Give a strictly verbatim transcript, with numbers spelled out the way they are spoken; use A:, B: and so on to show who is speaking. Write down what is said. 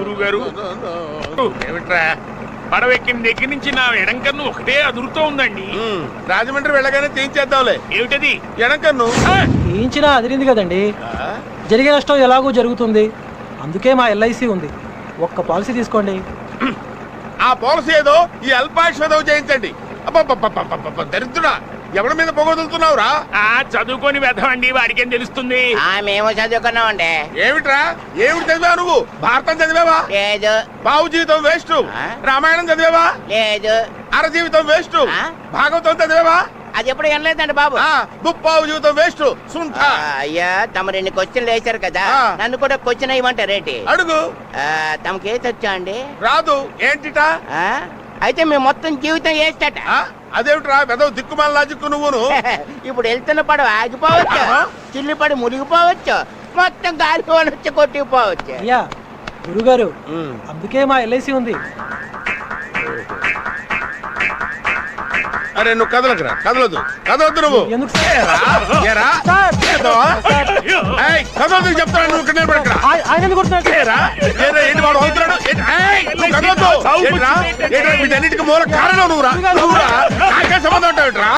A: గురువు గారు ఏమిట్రా పడవెక్కిన దగ్గర నుంచి నా ఎడంకన్ను ఒకటే అదురుతూ ఉందండి.
B: రాజమండ్రి వెళ్ళగానే తీయించేద్దాంలే.
A: ఏమిటది?
B: ఎడంకన్ను
C: తీయించినా అదిరింది కదండి. జరిగే నష్టం ఎలాగో జరుగుతుంది, అందుకే మా ఎల్ఐసి ఉంది. ఒక్క పాలసీ తీసుకోండి.
B: ఆ పాలసీ ఏదో ఈ అల్పాయుష్తో చేయించండి. అబ్బబ్బబ్బబ్బబ్బబ్బ, దరిద్రుడా, ఎవరి మీద పొగొదులుతున్నావురా?
A: ఆ చదువుకొని వెధవండి, వాడికేం తెలుస్తుంది?
D: మేము చదువుకున్నామండి.
B: ఏమిట్రా, ఏమిటి చదివావు నువ్వు? భారతం చదివావా?
D: లేదు.
B: బావు జీవితం వేస్ట్. రామాయణం చదివావా?
D: లేదు.
B: అర జీవితం వేస్ట్.
D: ఆ?
B: భాగవతం చదివావా?
D: అది ఎప్పుడు వినలేదండి బాబు.
B: ముప్పావు జీవితం వేస్ట్. సుంఠ.
D: ఆ, అయ్యా తమ రెండు క్వశ్చన్లు వేశారు కదా,
B: ఆ.
D: నన్ను కూడా క్వశ్చన్ వేయమంటారేంటి?
B: అడుగు.
D: తమకి ఏది వచ్చా అండి?
B: రాదు. ఏంటిటా?
D: ఆ? అయితే మేము మొత్తం జీవితం వేస్తట.
B: ఆ? అదేమిట్రా పెద్ద దిక్కుమాల లాజిక్కు నువ్వును.
D: ఇప్పుడు వెళ్తున్న పడవ ఆగిపోవచ్చు,
B: ఆహా.
D: చిల్లు పడి మునిగిపోవచ్చు, మొత్తం గాలి వచ్చి కొట్టుకుపోవచ్చు.
C: అయ్యా గురుగారు, అందుకే మా ఎల్ఐసి ఉంది.
B: అరే నువ్వు కదలకురా, కదలొద్దు, కదలొద్దు నువ్వు.
C: ఎందుకు సార్?
B: ఏరా? ఏరా?
C: సార్,
B: చేద్దావా?
C: సార్.
B: ఏయ్, కదలొద్దు చెప్తాను, నువ్వు ఇక్కడ నిలబడు ఇక్కడ.
C: ఆయ- ఆయన ఎందుకు కొడుతున్నాడు?
B: ఏరా? ఏరా, ఏంటి వాడు అవుతున్నాడు? ఏంటి? ఏయ్, నువ్వు కదలొద్దు. ఏంట్రా? ఏంట్రా, వీటన్నిటికీ మూల కారణం నువ్వురా. నువ్వురా. నాకే సంబంధం ఉంటావుట్రా?